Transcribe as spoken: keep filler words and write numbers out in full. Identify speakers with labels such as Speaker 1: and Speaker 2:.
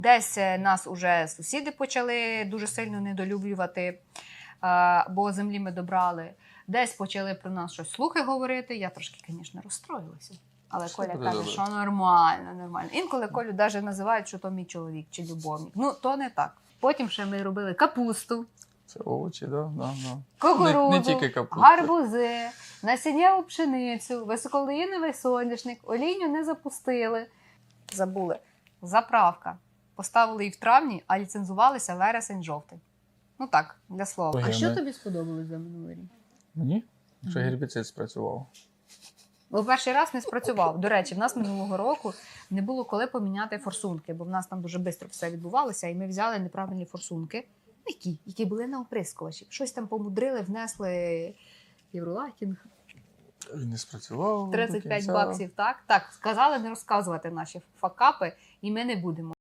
Speaker 1: Десь нас уже сусіди почали дуже сильно недолюблювати, бо землі ми добрали. Десь почали про нас щось слухи говорити. Я трошки, звісно, розстроїлася. Але
Speaker 2: Що
Speaker 1: Коля
Speaker 2: буде
Speaker 1: каже,
Speaker 2: добре?
Speaker 1: що нормально, нормально. Інколи Колю навіть називають, що то мій чоловік чи любовник. Ну, то не так. Потім ще ми робили капусту,
Speaker 2: Це овочі, да, да, да.
Speaker 1: кукурудзу,
Speaker 2: Не, не тільки капуста.
Speaker 1: гарбузи, насіннєву пшеницю, високолеїновий соняшник, олійню не запустили. Забули. Заправка. Поставили її в травні, а ліцензувалися вересень-жовтень. Ну так, для слова.
Speaker 2: Ой,
Speaker 1: А
Speaker 2: я
Speaker 1: що
Speaker 2: не-
Speaker 1: тобі сподобалось за минулий рік?
Speaker 2: Мені? Що
Speaker 1: Мгм.
Speaker 2: гербіцид спрацював.
Speaker 1: Бо перший раз не спрацював. До речі, в нас минулого року не було коли поміняти форсунки, бо в нас там дуже швидко все відбувалося, і ми взяли неправильні форсунки. Які? Які були на оприскувачі. Щось там помудрили, внесли євролакінг.
Speaker 2: Він не спрацював. до
Speaker 1: тридцять п'ять
Speaker 2: кінця.
Speaker 1: баксів, так? Так, сказали не розказувати наші факапи, і ми не будемо.